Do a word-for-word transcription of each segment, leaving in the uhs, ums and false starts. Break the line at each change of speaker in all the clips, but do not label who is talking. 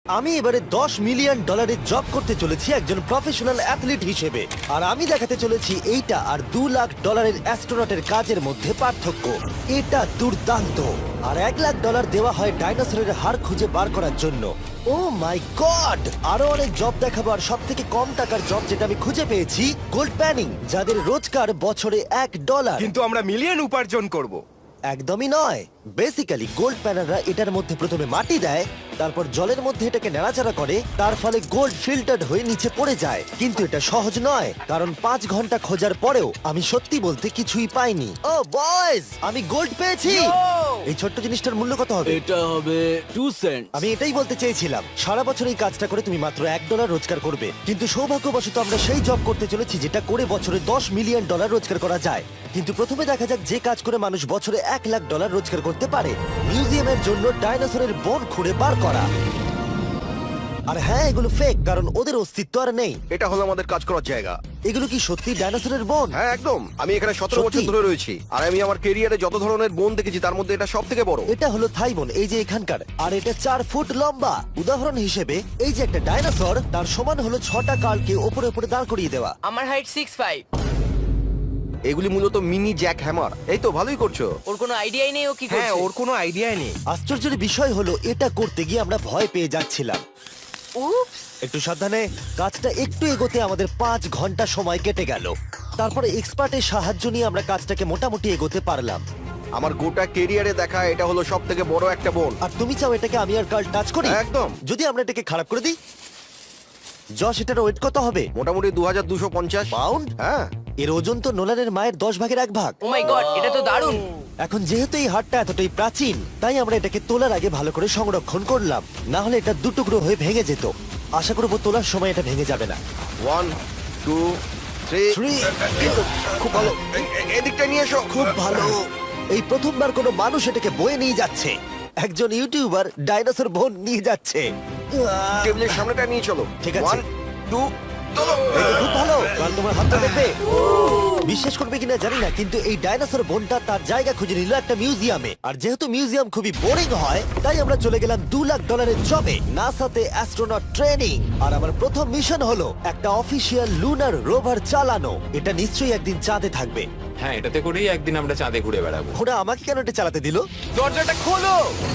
আমি এবারে দশ মিলিয়ন ডলারের জব করতে চলেছি একজন প্রফেশনাল অ্যাথলিট হিসেবে, আর আমি দেখাতে চলেছি এইটা আর দু লাখ ডলারের অ্যাস্ট্রোনটের কাজের মধ্যে পার্থক্য। এটা দুর্দান্ত। আর এক লাখ ডলার দেওয়া হয় ডাইনোসরের হাড় খুঁজে বার করার জন্য। Oh my god! আরো অনেক জব দেখাবো, আর সব থেকে কম টাকার জব যেটা আমি খুঁজে পেয়েছি, গোল্ড প্যানিং, যাদের রোজগার বছরে এক ডলার।
কিন্তু আমরা মিলিয়ন উপার্জন করব।
একদমই নয়। বেসিক্যালি গোল্ড প্যানাররা এটার মধ্যে প্রথমে মাটি দেয়, তারপর জলের মধ্যে এটাকে নাড়াচাড়া করে, তার ফলে গোল্ড ফিল্টার্ড হয়ে নিচে পড়ে যায়। কিন্তু এটা সহজ নয়, কারণ পাঁচ ঘন্টা খোঁজার পরেও আমি সত্যি বলতে কিছুই পাইনি। ও বয়েজ, আমি গোল্ড পেয়েছি। এই ছোট্ট জিনিসটার মূল্য কত হবে?
এটা হবে টু সেন্ট।
আমি এটাই বলতে চেয়েছিলাম, সারা বছর এই কাজটা করে তুমি মাত্র এক ডলার রোজগার করবে, কিন্তু সৌভাগ্যবশত আমরা সেই জব করতে চলেছি যেটা করে বছরে দশ মিলিয়ন ডলার রোজগার করা যায়। কিন্তু প্রথমে দেখা যাক যে কাজ করে মানুষ বছরে এক লাখ ডলার রোজগার করতে পারে। মিউজিয়ামের জন্য ডাইনোসরের বোন খুঁড়ে বার করা। আর হ্যাঁ, এগুলো ফেক, কারণ ওদের অস্তিত্ব আর নেই।
এটা হলো আমাদের কাজ করার জায়গা।
এগুলো কি সত্যি ডাইনোসরের বোন?
হ্যাঁ একদম। আমি এখানে সতেরো
সত্যি?
বছর ধরে রয়েছি, আর আমি আমার কেরিয়ারে যত ধরনের বোন দেখেছি তার মধ্যে এটা সব থেকে বড়।
এটা হলো থাই বোন, এই যে এখানকার, আর এটা চার ফুট লম্বা। উদাহরণ হিসেবে এই যে একটা ডাইনোসর, তার সমান হলো ছটা কালকে ওপরে ওপরে দাঁড় করিয়ে দেওয়া।
আমার হাইট সিক্স ফাইভ।
এগুলি মূলত মিনি জ্যাক হ্যামার। এই তো ভালোই করছো।
ওর কোনো আইডিয়াই নেই ও কি
হ্যাঁ,
করছে।
ওর কোনো আইডিয়া নেই।
আশ্চর্যের বিষয় হলো এটা করতে গিয়ে আমরা ভয় পেয়ে যাচ্ছিলাম।
উপস।
একটু সাবধানে। কাজটা একটু এগোতে আমাদের পাঁচ ঘন্টা সময় কেটে গেল। তারপরে এক্সপার্টের সাহায্য নিয়ে আমরা কাজটাকে মোটামুটি এগোতে পারলাম।
আমার গোটা কেরিয়ারে দেখা এটা হলো সব থেকে বড় একটা বোন।
আর তুমি চাও এটাকে আমি আর কাল টাচ করি?
একদম।
যদি আমরা এটাকে খারাপ করে দিই? যশ, এটার ওয়েট কত হবে?
মোটামুটি দু হাজার দুশো পঞ্চাশ
পাউন্ড?
হ্যাঁ।
এর ওজন তো নোলানের মায়ের দশ ভাগের এক ভাগ।
ও মাই গড, এটা তো দারুণ।
এখন যেহেতু এই হাটটা এতটাই প্রাচীন, তাই আমরা এটাকে তোলার আগে ভালো করে সংরক্ষণ করলাম, না হলে এটা দুটুকরো হয়ে ভেঙে যেত। আশা করবো তোলার সময় এটা ভেঙে যাবে না।
One two three
Three.
খুব ভালো। এ- এ- এদিকটা নিয়ে এসো।
খুব ভালো। এই প্রথমবার কোনো মানুষ এটাকে বয়ে নিয়ে যাচ্ছে। একজন ইউটিউবার ডাইনোসর বোন নিয়ে যাচ্ছে। আহ,
টেবিলের সামনেটা নিয়ে চলো।
ঠিক আছে।
ওয়ান টু চলো।
এটা খুব ভালো। কাল তোমার হাতটা দেখবে। বিশ্বাস করবে কিনা জানি না, কিন্তু এই ডাইনোসর বোনটা তার জায়গা খুঁজে নিল একটা মিউজিয়ামে। আর যেহেতু মিউজিয়াম খুবই বোরিং হয়, তাই আমরা চলে গেলাম দু লাখ ডলারের জবে, নাসাতে অ্যাস্ট্রোনট ট্রেনিং। আর আমার প্রথম মিশন হলো একটা অফিসিয়াল লুনার রোভার চালানো। এটা নিশ্চয়ই একদিন চাঁদে থাকবে।
হ্যাঁ, এটাতে করেই একদিন আমরা চাঁদে ঘুরে বেড়াবো।
ওরা আমাকে কেন এটা চালাতে দিল?
দরজাটা খোলো।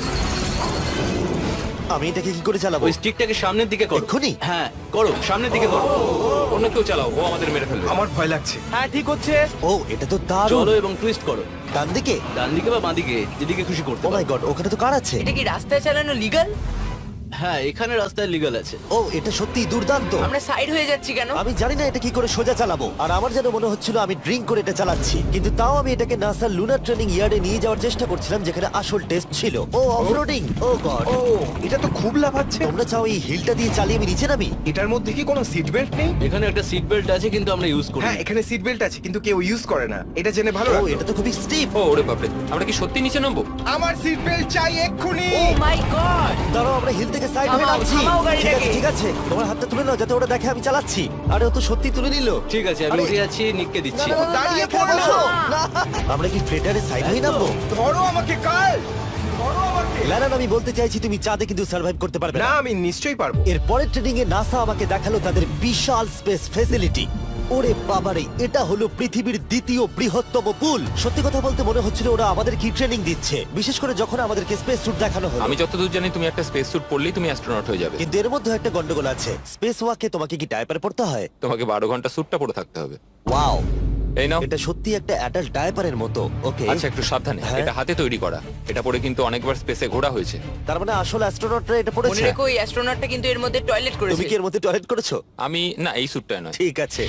আমি এটাকে কি করে চালাবো?
ওই স্টিকটাকে সামনের দিকে করো।
এক্ষুনি?
হ্যাঁ করো, সামনের দিকে করো।
অন্য কেউ চালাও, ও আমাদের মেরে ফেলবে।
আমার ভয় লাগছে। হ্যাঁ ঠিক হচ্ছে।
ও, এটা তো দারুণ।
চলো এবং টুইস্ট করো,
ডান দিকে?
ডান দিকে বা বাঁ দিকে, যেদিকে খুশি করতে
ও মাই
পারো।
গড, ওখানে তো কার আছে?
এটা কি রাস্তায় চালানো লিগ্যাল?
হ্যাঁ, এখানে রাস্তায় লিগ্যাল আছে।
ও, এটা সত্যিই দুর্দান্ত।
আমরা সাইড হয়ে যাচ্ছি কেন?
আমি জানি না এটা কি করে সোজা চালাবো, আর আমার যেন মনে হচ্ছিল আমি ড্রিঙ্ক করে এটা চালাচ্ছি। কিন্তু তাও আমি এটাকে নাসার লুনার ট্রেনিং ইয়ার্ডে নিয়ে যাওয়ার চেষ্টা করছিলাম, যেখানে আসল টেস্ট ছিল। ও অফরোডিং। ও গড।
ও, এটা তো খুব লাফাচ্ছে।
তোমরা চাও এই হিলটা দিয়ে চালিয়ে আমি নিচে নামি?
এটার মধ্যে কি কোনো সিট বেল্ট নেই?
এখানে একটা সিট বেল্ট আছে, কিন্তু আমরা ইউজ করি
হ্যাঁ,
না।
এখানে সিট বেল্ট আছে কিন্তু কেউ ইউজ করে না। এটা জেনে ভালো
ও,
লাগলো।
এটা তো খুবই স্টিপ।
ও ওরে বাপরে, আমরা কি সত্যি নিচে নামবো?
আমার সিট বেল্ট চাই এক্ষুনি।
Oh my god.
দাঁড়াও, আমরা হিল থেকে সাইড হয়ে
থামাও,
নামছি।
থামাও
ঠিক আছে,
গাড়িটাকে।
ঠিক আছে, তোমার হাতটা তুলে নাও যাতে ওরা দেখে আমি চালাচ্ছি। আরে ও তো সত্যি তুলে নিল।
ঠিক আছে, আমি
আরে-
উঠে যাচ্ছি, নিককে
না,
দিচ্ছি।
না, না, না,
দাঁড়িয়ে
এখানে
পড়ো।
বসো। না। আমরা কি ফ্রেটারে সাইড হয়ে নামবো?
ধরো আমাকে কাল। ধরো আমাকে।
লারান, আমি বলতে চাইছি তুমি চাঁদে কিন্তু সার্ভাইভ করতে পারবে
না,
না।
আমি নিশ্চয়ই পারবো।
এর পরের ট্রেনিং এ নাসা আমাকে দেখালো তাদের বিশাল স্পেস ফেসিলিটি। ওরে বাবারে, এটা হলো পৃথিবীর দ্বিতীয় বৃহত্তম পুল। সত্যি কথা বলতে মনে হচ্ছিল ওরা আমাদের কি ট্রেনিং দিচ্ছে, বিশেষ করে যখন আমাদেরকে স্পেস স্যুট দেখানো হলো।
আমি যতদূর জানি তুমি একটা স্পেস স্যুট পরলেই তুমি অ্যাস্ট্রোনট হয়ে যাবে।
কিন্তু এর মধ্যে একটা গন্ডগোল আছে। স্পেস ওয়াকে তোমাকে কি ডায়পার পড়তে হয়?
তোমাকে বারো ঘন্টা স্যুটটা পরে থাকতে হবে।
ওয়াও,
এই নাও।
এটা সত্যি একটা অ্যাডাল্ট ডায়পারের মতো। ওকে,
আচ্ছা, একটু সাবধানে।
হ্যাঁ।
এটা হাতে তৈরি করা। এটা পরে কিন্তু অনেকবার স্পেসে ঘোরা হয়েছে।
তার মানে আসল অ্যাস্ট্রোনটরা এটা
মনে
পড়েছে।
রেখো এই অ্যাস্ট্রোনটটা কিন্তু এর মধ্যে টয়লেট
তুমি
করেছে।
কি এর মধ্যে টয়লেট করেছো?
আমি না, এই স্যুটটা নয়।
ঠিক আছে।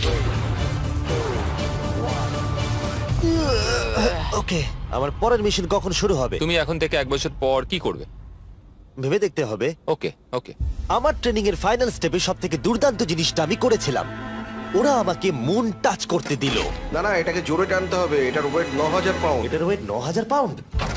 ওকে, আমার পরের মিশন কখন শুরু হবে
তুমি এখন থেকে এক বছর পর কি করবে?
ভেবে দেখতে হবে।
ওকে ওকে।
আমার ট্রেনিং এর ফাইনাল স্টেপে সব থেকে দুর্দান্ত জিনিসটা আমি করেছিলাম। ওরা আমাকে মুন টাচ করতে দিল।
না না, এটাকে জোরে টানতে হবে। এটার ওয়েট ন হাজার পাউন্ড।
এটার ওয়েট ন হাজার পাউন্ড।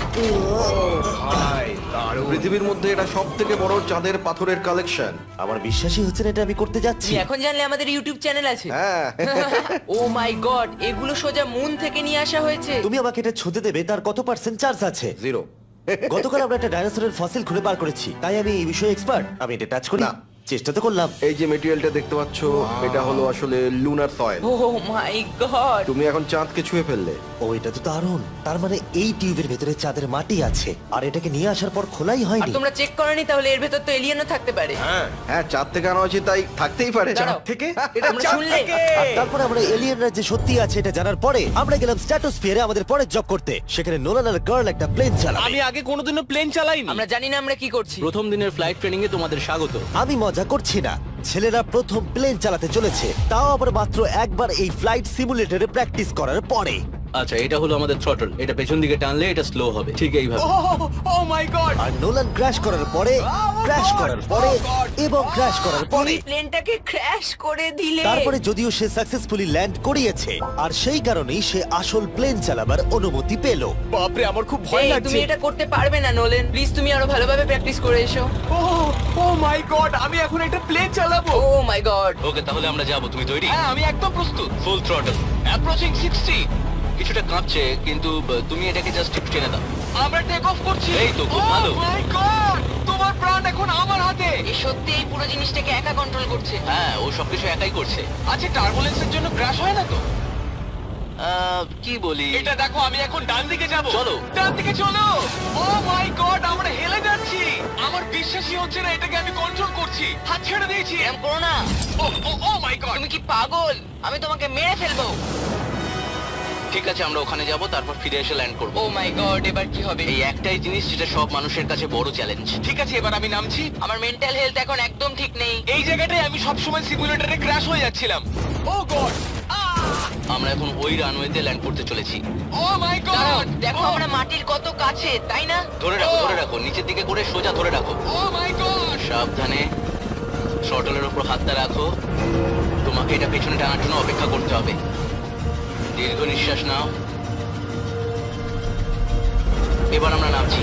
ভাই, দারুণ।
পৃথিবীর মধ্যে এটা সব থেকে বড় চাঁদের পাথরের কালেকশন।
আমার বিশ্বাসই হচ্ছে না এটা আমি করতে যাচ্ছি।
তুমি এখন জানলে আমাদের ইউটিউব চ্যানেল আছে।
হ্যাঁ।
ও মাই গড, এগুলো সোজা মুন থেকে নিয়ে আসা হয়েছে।
তুমি আমাকে এটা ছুঁতে দেবে, তার কত পার্সেন্ট চার্জ আছে?
জিরো।
গতকাল আমরা একটা ডাইনোসরের ফসিল খুঁজে বার করেছি, তাই আমি এই বিষয়ে এক্সপার্ট। আমি এটা টাচ করি
না।
চেষ্টা তো করলাম।
এই যে মেটেরিয়ালটা দেখতে পাচ্ছ, এটা হলো আসলে lunar soil.
Oh my god,
তুমি এখন চাঁদকে ছুঁয়ে ফেললে।
ও এটা তো দারুণ। তার মানে এই টিউবের ভেতরে চাঁদের মাটি আছে, আর এটাকে নিয়ে আসার পর খোলাই
আর
হয়নি।
তোমরা চেক করনি তাহলে এর ভেতর তো এলিয়েনও থাকতে পারে।
হ্যাঁ
হ্যাঁ, চাঁদ থেকে আনা হয়েছে তাই থাকতেই পারে।
দাঁড়াও।
থেকে এটা
আমরা
চাঁদ
শুনলে?
থেকে।
আর তারপরে আমরা এলিয়েনরা যে সত্যি আছে এটা জানার পরে আমরা গেলাম স্ট্র্যাটোস্ফিয়ারে আমাদের পরের জব করতে। সেখানে নোলান আর গার্ল একটা প্লেন চালাবে।
আমি আগে কোনোদিনও প্লেন চালাইনি।
আমরা জানি না আমরা কি করছি।
প্রথম দিনের ফ্লাইট ট্রেনিং এ তোমাদের স্বাগত।
আমি মজা করছি না, ছেলেরা প্রথম প্লেন চালাতে চলেছে, তাও আবার মাত্র একবার এই ফ্লাইট সিমুলেটরে প্র্যাকটিস করার পরে।
আচ্ছা, এটা হলো আমাদের থ্রটল। এটা পেছন দিকে টানলে এটা স্লো হবে, ঠিক এইভাবে।
ও মাই গড,
আর নোলান ক্র্যাশ করার পরে, ক্র্যাশ করার পরে এবং ক্র্যাশ করার পরে,
তুমি প্লেনটাকে ক্র্যাশ করে দিলে।
তারপরে যদিও সে সাকসেসফুলি ল্যান্ড করিয়েছে, আর সেই কারণেই সে আসল প্লেন চালাবার অনুমতি পেল।
বাপরে আমার খুব ভয়
এই,
লাগছে।
তুমি এটা করতে পারবে না নোলেন, প্লিজ তুমি আরো ভালোভাবে প্র্যাকটিস করে এসো।
ও ও মাই গড, আমি এখন একটা প্লেন চালাবো।
ও মাই গড,
ওকে, তাহলে আমরা যাব। তুমি তৈরি?
হ্যাঁ, আমি একদম প্রস্তুত।
Full throttle, approaching sixty. কিছুটা কাঁপছে, কিন্তু আহ, তুমি এটাকে জাস্ট টিপ টেনে দাও।
আমরা টেক অফ করছি।
এই তো, খুব ভালো।
ও মাই গড, তোমার প্রাণ এখন আমার হাতে।
এ সত্যি এই পুরো জিনিসটাকে একা কন্ট্রোল করছে।
হ্যাঁ, ও সবকিছু একাই করছে।
আচ্ছা, টার্বুলেন্সের জন্য ক্র্যাশ হয় না তো?
আহ, কি বলি?
এটা দেখো, আমি এখন ডান দিকে যাব।
চলো।
ডান দিকে চলো। ও মাই গড, আমরা হেলে যাচ্ছি। আমার বিশ্বাসই হচ্ছে না এটাকে আমি কন্ট্রোল করছি। হাত ছেড়ে দিয়েছি।
এরম করো না।
Oh oh oh my god.
তুমি কি পাগল? আমি তোমাকে মেরে ফেলবো।
ঠিক আছে, আমরা ওখানে যাব, তারপর ফিরে এসে ল্যান্ড করব।
ও মাই গড, এবার কি হবে?
এই একটাই জিনিস যেটা সব মানুষের কাছে বড় চ্যালেঞ্জ।
ঠিক আছে, এবার আমি নামছি।
আমার মেন্টাল হেলথ এখন একদম ঠিক নেই।
এই জায়গাটায় আমি সব সময় সিমুলেটরে ক্র্যাশ হয়ে যাচ্ছিলাম। ও গড,
আমরা এখন ওই রানওয়েতে ল্যান্ড করতে চলেছি।
ও মাই
দাঁড়াও,
গড।
দেখো আমরা মাটির কত কাছে, তাই না?
ধরে রাখো, ধরে রাখো, নিচের দিকে করে সোজা ধরে রাখো।
Oh my god.
সাবধানে শটলের উপর হাতটা রাখো। তোমাকে এটা পেছনে টানার জন্য অপেক্ষা করতে হবে। দীর্ঘ নিঃশ্বাস নাও। এবার আমরা নামছি।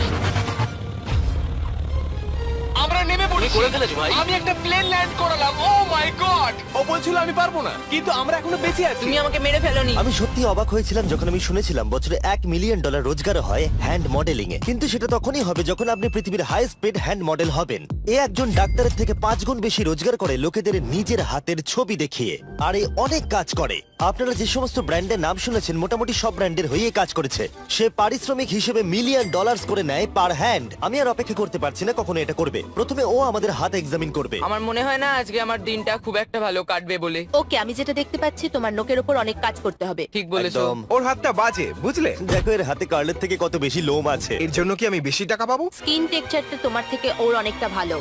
আমরা নেমে পড়েছি।
তুমি করে ফেলেছো, ভাই।
আমি একটা প্লেন ল্যান্ড করালাম। ও মাই গড। ও বলছিল আমি পারবো না, কিন্তু আমরা এখনো বেঁচে আছি।
তুমি আমাকে মেরে ফেলোনি।
আমি সত্যি অবাক হয়েছিলাম যখন আমি শুনেছিলাম বছরে এক মিলিয়ন ডলার রোজগার হয় হ্যান্ড মডেলিং এ, কিন্তু সেটা তখনই হবে যখন আপনি পৃথিবীর হাইস্ট পেড হ্যান্ড মডেল হবেন। এ একজন ডাক্তারের থেকে পাঁচ গুণ বেশি রোজগার করে লোকেদের নিজের হাতের ছবি দেখিয়ে, আর এ অনেক কাজ করে। আপনারা যে সমস্ত ব্র্যান্ডের নাম শুনেছেন মোটামুটি সব ব্র্যান্ডের হয়ে কাজ করেছে। সে পারিশ্রমিক হিসেবে মিলিয়ন ডলার্স করে নেয় পার হ্যান্ড। আমি আর অপেক্ষা করতে পারছি না কখনো এটা করবে। প্রথমে ও আমাদের হাত এক্সামিন করবে।
আমার মনে হয় না আজকে আমার দিনটা খুব একটা ভালো কাটবে বলে।
ওকে, আমি যেটা দেখতে পাচ্ছি তোমার নোকের ওপর অনেক কাজ করতে হবে।
ঠিক বলেছো।
একদম।
ওর হাতটা বাজে, বুঝলে?
দেখো এর হাতে কার্লের থেকে কত বেশি লোম আছে।
এর জন্য কি আমি বেশি টাকা পাবো?
স্কিন টেক্সচারটা তোমার থেকে ওর অনেকটা ভালো।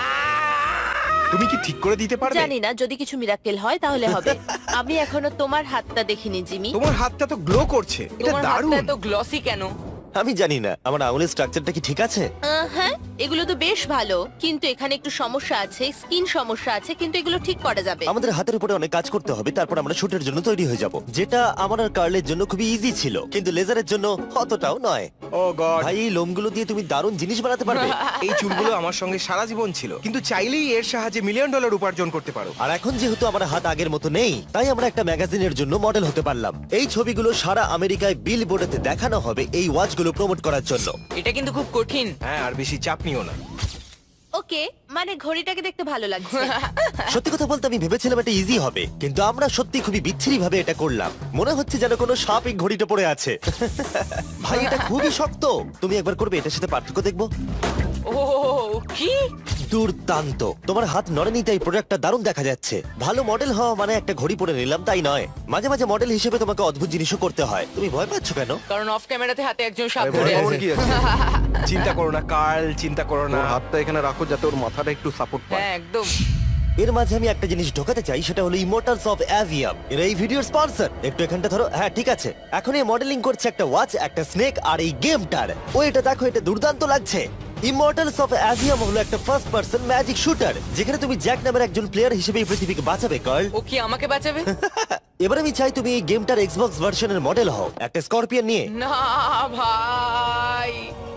তুমি কি ঠিক করে দিতে পারবে?
জানি না, যদি কিছু মিরাকেল হয় তাহলে হবে। আমি এখনো তোমার হাতটা দেখিনি জিমি।
তোমার হাতটা তো গ্লো করছে। এটা
তোমার
দারুণ।
হাতটা এত গ্লসি কেন?
আমি জানি না আমার আঙুলের স্ট্রাকচারটা কি ঠিক আছে।
আহ, হ্যাঁ, এগুলো তো বেশ ভালো, কিন্তু এখানে একটু সমস্যা আছে, স্কিন সমস্যা আছে, কিন্তু এগুলো ঠিক করা যাবে।
আমাদের হাতের উপরে অনেক কাজ করতে হবে, তারপর আমরা শুটের জন্য তৈরি হয়ে যাব, যেটা আমার আর কার্লের জন্য খুবই ইজি ছিল, কিন্তু লেজারের জন্য অতটাও নয়।
Oh god.
ভাই এই লোমগুলো দিয়ে তুমি দারুণ জিনিস বানাতে পারবে।
এই চুলগুলো আমার সঙ্গে সারা জীবন ছিল, কিন্তু চাইলেই এর সাহায্যে মিলিয়ন ডলার উপার্জন করতে পারো।
আর এখন যেহেতু আমার হাত আগের মতো নেই, তাই আমরা একটা ম্যাগাজিনের জন্য মডেল হতে পারলাম। এই ছবিগুলো সারা আমেরিকায় বিল বোর্ডেতে দেখানো হবে এই ওয়াচগুলো প্রমোট করার জন্য।
এটা কিন্তু খুব কঠিন।
হ্যাঁ, আর বেশি চাপ নিও না।
ওকে, মানে ঘড়িটাকে দেখতে ভালো লাগছে।
সত্যি কথা বলতে আমি ভেবেছিলাম এটা ইজি হবে, কিন্তু আমরা সত্যি খুবই বিচ্ছিরি ভাবে এটা করলাম। মনে হচ্ছে যেন কোনো সাপ এই ঘড়িটা পড়ে আছে। ভাই এটা খুবই শক্ত। তুমি একবার করবে, এটার সাথে পার্থক্য দেখবো।
ও কি
দুর্দান্ত। তোমার হাত নড়েনি তাই প্রোডাক্টটা দারুণ দেখা যাচ্ছে। ভালো মডেল হওয়া মানে একটা ঘড়ি পরে নিলাম তাই নয়, মাঝে মাঝে মডেল হিসেবে তোমাকে অদ্ভুত জিনিসও করতে হয়। তুমি ভয় পাচ্ছ কেন?
কারণ অফ ক্যামেরাতে হাতে একজন সাপ
আরে
ধরে
ভয় পাওয়ার
আছে।
কি আছে?
চিন্তা করো না কার্ল, চিন্তা করো না।
ওর হাতটা এখানে রাখো যাতে ওর মাথাটা একটু সাপোর্ট পায়।
হ্যাঁ একদম।
এর মাঝে আমি একটা জিনিস ঢোকাতে চাই, সেটা হলো ইমোর্টালস অফ অ্যাভিয়াম। এরা এই ভিডিওর স্পন্সর। একটু এখানটা ধরো। হ্যাঁ ঠিক আছে। এখন এই মডেলিং করছে একটা ওয়াচ, একটা স্নেক আর এই গেমটার। ও এটা দেখো, এটা দুর্দান্ত লাগছে। ইমর্টালস অফ অ্যাভিয়াম হলো একটা ফার্স্ট পার্সন ম্যাজিক শুটার, যেখানে তুমি জ্যাক নামের একজন প্লেয়ার হিসেবে এই পৃথিবীকে বাঁচাবে কার্ল।
ও কি আমাকে বাঁচাবে?
এবার আমি চাই তুমি এই গেমটার এক্সবক্স ভার্সনের মডেল হও, একটা স্করপিয়ন নিয়ে।
না ভাই,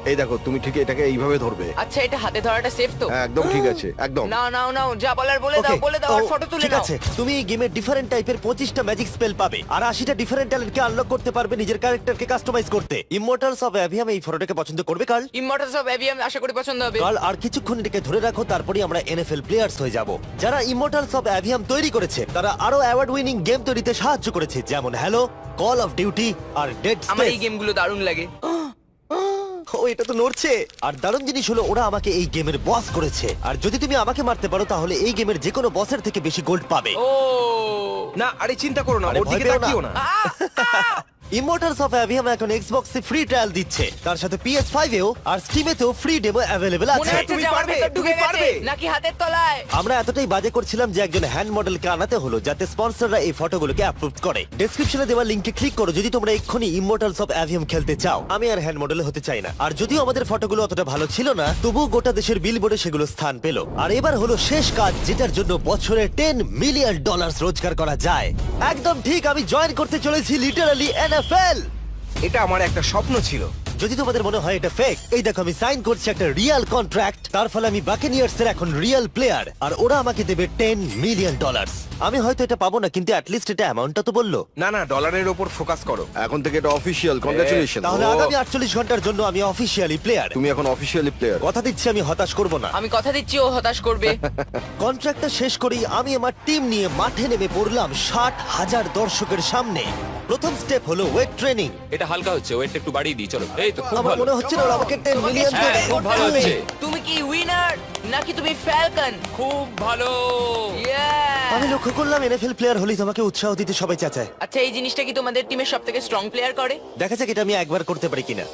এই দেখো তুমি ঠিক এটাকে এইভাবে ধরবে।
আচ্ছা এটা হাতে ধরাটা সেফ তো?
হ্যাঁ, একদম ঠিক আছে, একদম।
নাও নাও নাও, যা বলার বলে দাও,
Okay,
বলে দাও, আর
ও,
ফটো তুলে
ঠিক
নাও।
আছে, তুমি এই গেমে ডিফারেন্ট টাইপের পঁচিশটা ম্যাজিক স্পেল পাবে আর আশিটা ডিফারেন্ট ট্যালেন্টকে আনলক করতে পারবে নিজের ক্যারেক্টারকে কাস্টমাইজ করতে। ইমমর্টালস অফ অ্যাভিয়াম এই ফটোটাকে পছন্দ করবে কার্ল?
ইমমর্টালস অফ অ্যাভিয়াম আশা করি পছন্দ হবে।
কার্ল, আর কিছুক্ষণ এটাকে ধরে রাখো, তারপরে আমরা এনএফএল প্লেয়ার্স হয়ে যাব। যারা ইমমর্টালস অফ অ্যাভিয়াম তৈরি করেছে তারা আরো অ্যাওয়ার্ড উইনিং গেম তৈরিতে সাহায্য করেছে, যেমন হ্যালো, কল অফ ডিউটি আর ডেড
আমার এই
স্পেস।
গেমগুলো দারুণ লাগে।
ও, এটা তো নড়ছে। আর দারুণ জিনিস হলো ওরা আমাকে এই গেমের বস করেছে, আর যদি তুমি আমাকে মারতে পারো তাহলে এই গেমের যে কোনো বসের থেকে বেশি গোল্ড পাবে।
ও
না আরে চিন্তা করো না,
আরে
ওর
ভয়
দিকে
পেও না।
তাকিও না।
ইমমর্টালস অফ অ্যাভিয়াম এখন এক্সবক্সে ফ্রি ট্রায়াল দিচ্ছে, তার সাথে পি এস ফাইভ এও আর স্টিমেতেও ফ্রি ডেমো অ্যাভেলেবল
মনে
আছে।
হচ্ছে
তুমি
যে আমার
পারবে,
ভেতর ঢুকে
তুমি
গেছে
পারবে।
নাকি হাতের তলায়।
আমরা এতটাই বাজে করছিলাম যে একজন হ্যান্ড মডেলকে আনাতে হলো যাতে স্পন্সররা এই ফটোগুলোকে অ্যাপ্রুভ করে। ডেসক্রিপশনে দেওয়া লিংকে ক্লিক করো যদি তোমরা এক্ষুনি ইমমর্টালস অফ অ্যাভিয়াম খেলতে চাও। আমি আর হ্যান্ড মডেল হতে চাই না, আর যদিও আমাদের ফটোগুলো অতটা ভালো ছিল না, তবুও গোটা দেশের বিলবোর্ডে সেগুলো স্থান পেল। আর এবার হলো শেষ কাজ, যেটার জন্য বছরে টেন মিলিয়ন ডলার রোজগার করা যায়। একদম ঠিক, আমি জয়েন করতে চলেছি লিটারালি এনএফএল।
এটা আমার একটা স্বপ্ন ছিল।
যদি তোমাদের মনে হয় এটা ফেক, এই দেখো আমি সাইন করছি একটা রিয়েল কন্ট্রাক্ট, তার ফলে আমি বাকেনিয়ার্স এর এখন রিয়েল প্লেয়ার, আর ওরা আমাকে দেবে টেন মিলিয়ন ডলার। আমি হয়তো এটা পাবো না, কিন্তু অ্যাটলিস্ট এটা অ্যামাউন্টটা তো বললো।
না না, ডলারের ওপর ফোকাস করো।
এখন থেকে এটা অফিসিয়াল, কংগ্রাচুলেশন।
তাহলে আগামী আটচল্লিশ ঘন্টার জন্য আমি অফিসিয়ালি প্লেয়ার।
তুমি এখন অফিসিয়ালি প্লেয়ার।
কথা দিচ্ছি আমি হতাশ করব না।
আমি কথা দিচ্ছি ও হতাশ করবে।
কন্ট্রাক্টটা শেষ করেই আমি আমার টিম নিয়ে মাঠে নেমে পড়লাম ষাট হাজার দর্শকের সামনে। প্রথম স্টেপ হলো ওয়েট ট্রেনিং।
এটা হালকা হচ্ছে, ওয়েটটা একটু বাড়িয়ে দিই চলো। এই তো খুব
আমার
ভালো।
মনে হচ্ছে না ওরা আমাকে টেন মিলিয়ন
তোমাকে
দেবে।
হ্যাঁ, খুব ভালো হচ্ছে।
তুমি কি উইনার নাকি তুমি ফ্যালকন?
খুব ভালো।
আমি লক্ষ্য করলাম এনএফএল প্লেয়ার হলেই তোমাকে উৎসাহ দিতে সবাই চাচায়।
আচ্ছা এই জিনিসটা কি তোমাদের টিমের সবথেকে স্ট্রং প্লেয়ার করে?
দেখা যাক এটা আমি একবার করতে পারি কিনা।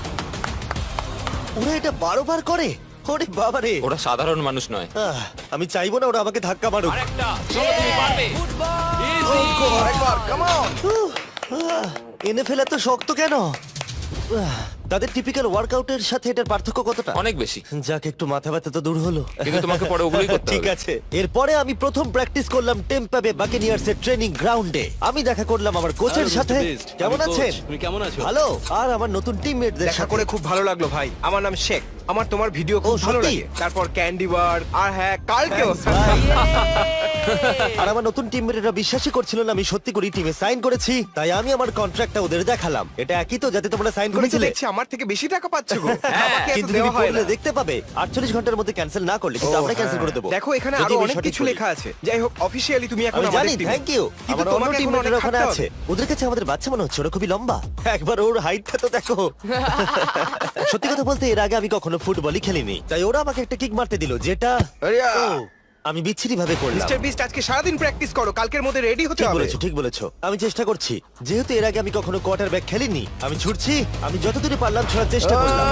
ওরা এটা বারো বার করে? ওরে বাবারে।
ওরা সাধারণ মানুষ নয়।
আহ, আমি চাইবো না ওরা আমাকে ধাক্কা মারুক।
আরেকটা, চলো তুমি পারবে।
আরেকবার, come on!
এনএফএল এত শক্ত কেন? আহ, তাদের টিপিক্যাল ওয়ার্কআউটের সাথে এটার পার্থক্য কতটা?
অনেক বেশি।
যাক, একটু মাথা ব্যথা তো দূর হলো।
কিন্তু তোমাকে পরে ওগুলোই করতে হবে।
ঠিক আছে। এরপরে আমি প্রথম প্র্যাকটিস করলাম টেম্পা বে বাকেনিয়ার্স এর ট্রেনিং গ্রাউন্ডে। আমি দেখা করলাম আমার কোচের সাথে। কেমন আছেন?
তুমি কেমন আছো?
ভালো। আর আমার নতুন টিমমেটদের
দেখা
সাথে
করে খুব ভালো লাগলো ভাই। আমার নাম শেখ। আমার তোমার ভিডিও খুব
ও,
ভালো
সত্যি?
লাগে। তারপর ক্যান্ডি বার আর হ্যাঁ কালকেও।
আর আমার নতুন টিমমেটরা বিশ্বাসই করছিল না আমি সত্যি করে টিমে সাইন করেছি, তাই আমি আমার কন্ট্রাক্টটা ওদের দেখালাম। এটা একই তো যাতে তোমরা সাইন
তুমি তো
করেছিলে?
দেখছি আমার থেকে বেশি টাকা পাচ্ছ গো। আমাকে এত
কিন্তু তুমি
দেওয়া হয়
পড়লে
না।
দেখতে পাবে আটচল্লিশ ঘন্টার মধ্যে ক্যান্সেল না করলে কিন্তু
ও,
আমরা ক্যান্সেল
হ্যাঁ।
করে দেবো।
দেখো এখানে
যদি
আরো
আমি
অনেক
সঠিক
কিছু
বলি।
লেখা আছে। যাই হোক অফিশিয়ালি তুমি এখন
আমি
আমাদের
জানি,
টিমে।
Thank you.
কিন্তু
আমার অন্য
তোমাকে এখন
টিমমেটরা
অনেক
ওখানে
খাটতে
আছে।
হবে।
ওদের কাছে আমাদের বাচ্চা মনে হচ্ছে, ওরা খুবই লম্বা। একবার ওর হাইটটা তো দেখো। সত্যি কথা বলতে এর আগে আমি কখনো ফুটবলই খেলিনি, তাই ওরা আমাকে একটা কিক মারতে দিল, যেটা
আরিয়া!
ও, আমি বিচ্ছিরি ভাবে করলাম।
মিস্টার বিস্ট আজকে সারাদিন প্র্যাকটিস করো, কালকের মধ্যে রেডি হতে
ঠিক
হবে।
বলেছো, ঠিক বলেছো। আমি চেষ্টা করছি। যেহেতু এর আগে আমি কখনো কোয়ার্টার ব্যাক খেলিনি, আমি ছুটছি। আমি যতদূর পারলাম ছোড়ার চেষ্টা করলাম।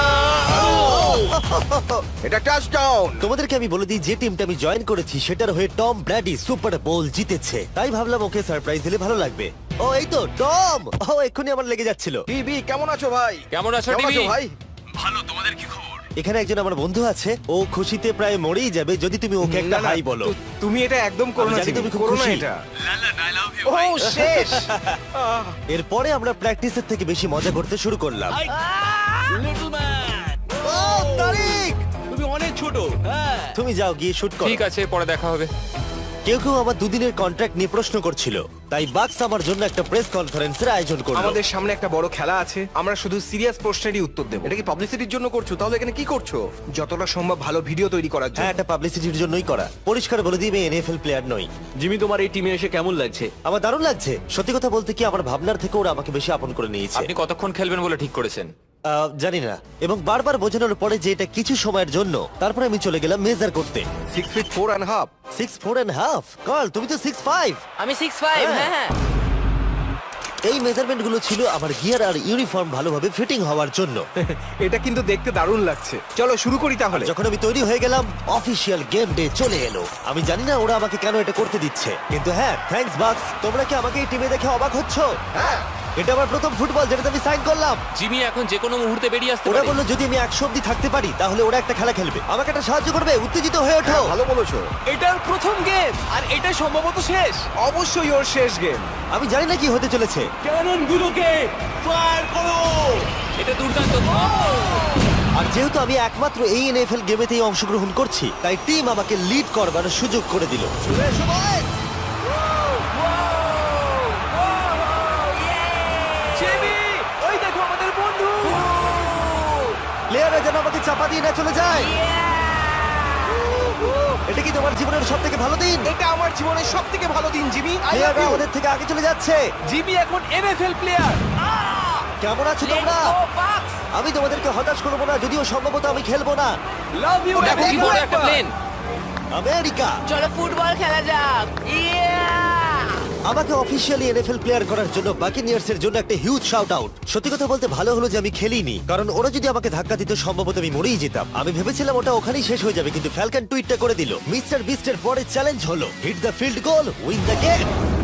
এটা টাচডাউন।
তোমাদেরকে আমি বলে দিই যে টিমটা আমি জয়েন করেছি সেটার হয়ে টম ব্র্যাডি সুপার বোল জিতেছে, তাই ভাবলাম ওকে সারপ্রাইজ দিলে ভালো লাগবে। ও এই তো টম। ও এক্ষুনি আমার লেগে যাচ্ছিল।
টিভি কেমন আছো ভাই?
কেমন আছো
কেমন
টিভি?
আছো ভাই?
এখানে একজন আমার বন্ধু আছে, ও খুশিতে প্রায় মরেই যাবে যদি তুমি ওকে একটা
না, না,
হাই বলো।
তু- তুমি এটা একদম করো
আমি
না,
জানি
জিমি,
তুমি খুব
করো না
খুশি।
এটা। ও শেষ।
এরপরে আমরা প্র্যাকটিসের থেকে বেশি মজা করতে শুরু করলাম।
লিটল ম্যান,
ও তারিক,
তুমি অনেক ছোট। হ্যাঁ,
তুমি যাও গিয়ে শুট করো।
ঠিক আছে, পরে দেখা হবে।
কেউ কেউ আমার দুদিনের কন্ট্রাক্ট নিয়ে প্রশ্ন করছিল, তাই বাক্স আমার জন্য একটা প্রেস কনফারেন্সের আয়োজন করলো।
আমাদের সামনে একটা বড় খেলা আছে, আমরা শুধু সিরিয়াস প্রশ্নেরই উত্তর দেব।
এটা কি পাবলিসিটির জন্য করছো? তাহলে এখানে কি করছো?
যতটা সম্ভব ভালো ভিডিও তৈরি করার জন্য।
হ্যাঁ, এটা পাবলিসিটির জন্যই করা। পরিষ্কার বলে দিই আমি এনএফএল প্লেয়ার নই।
জিমি তোমার এই টিমে এসে কেমন লাগছে?
আমার দারুণ লাগছে। সত্যি কথা বলতে কি, আমার ভাবনার থেকে ওরা আমাকে বেশি আপন করে নিয়েছে।
আপনি কতক্ষণ খেলবেন বলে ঠিক করেছেন?
আহ, জানি না, এবং বারবার বোঝানোর পরে যে এটা কিছু সময়ের জন্য, তারপরে আমি চলে গেলাম মেজার করতে।
Six feet four and half.
Six four and half. কাল, তুমি তো সিক্স ফাইভ।
আমি সিক্স ফাইভ।
হ্যাঁ।
হ্যাঁ হ্যাঁ।
এই মেজারমেন্ট গুলো ছিল আমার গিয়ার আর ইউনিফর্ম ভালোভাবে ফিটিং হওয়ার জন্য।
এটা কিন্তু দেখতে দারুণ লাগছে। চলো শুরু করি তাহলে।
যখন আমি তৈরি হয়ে গেলাম, অফিসিয়াল গেম ডে চলে এলো। আমি জানি না ওরা আমাকে কেন এটা করতে দিচ্ছে, কিন্তু হ্যাঁ, থ্যাঙ্কস বাক্স। তোমরা কি আমাকে এই টিমে দেখে অবাক হচ্ছ?
হ্যাঁ।
এটা আমার প্রথম ফুটবল যেটাতে আমি সাইন করলাম।
জিমি এখন যে কোনো মুহূর্তে বেরিয়ে আসতে
ওরা
পারে।
বললো যদি আমি একশো অব্দি থাকতে পারি তাহলে ওরা একটা খেলা খেলবে, আমাকে একটা সাহায্য করবে। উত্তেজিত হয়ে ওঠো।
হ্যাঁ, ভালো বলেছো।
এটার প্রথম গেম আর এটা সম্ভবত শেষ।
অবশ্যই ওর শেষ গেম।
আমি জানি না কি হতে চলেছে।
ক্যানন গুলোকে ফায়ার করো।
এটা দুর্দান্ত।
আর যেহেতু আমি একমাত্র এই এনএফএল গেমেতেই অংশগ্রহণ করছি, তাই টিম আমাকে লিড করবার সুযোগ করে দিল। চলে এসো boys!
জিমি, ওই দেখো আমাদের বন্ধু।
প্লেয়াররা যেন আমাকে চাপা দিয়ে না চলে যায়। এটা কি তোমার জীবনের সব থেকে ভালো দিন?
এটা আমার জীবনের সব থেকে ভালো দিন, জিমি। I love
প্লেয়াররা
you!
আমাদের থেকে আগে চলে যাচ্ছে।
জিমি এখন এনএফএল প্লেয়ার।
কেমন আছো তোমরা? আমি তোমাদেরকে হতাশ করবো না, যদিও সম্ভবত আমি খেলবো না।
Love you.
দেখো কি বড় একটা প্লেন।
আমেরিকা
চলো ফুটবল খেলা যাক। ইয়া!
আমাকে অফিসিয়ালি এনএফএল প্লেয়ার করার জন্য বাকিনিয়ার্স এর জন্য একটা হিউজ শাউট আউট। সত্যি কথা বলতে ভালো হলো যে আমি খেলিনি, কারণ ওরা যদি আমাকে ধাক্কা দিত সম্ভবত আমি মরেই যেতাম। আমি ভেবেছিলাম ওটা ওখানেই শেষ হয়ে যাবে, কিন্তু ফ্যালকন টুইটটা করে দিল, মিস্টার বিস্টের পরের চ্যালেঞ্জ হলো hit the field goal, win the game.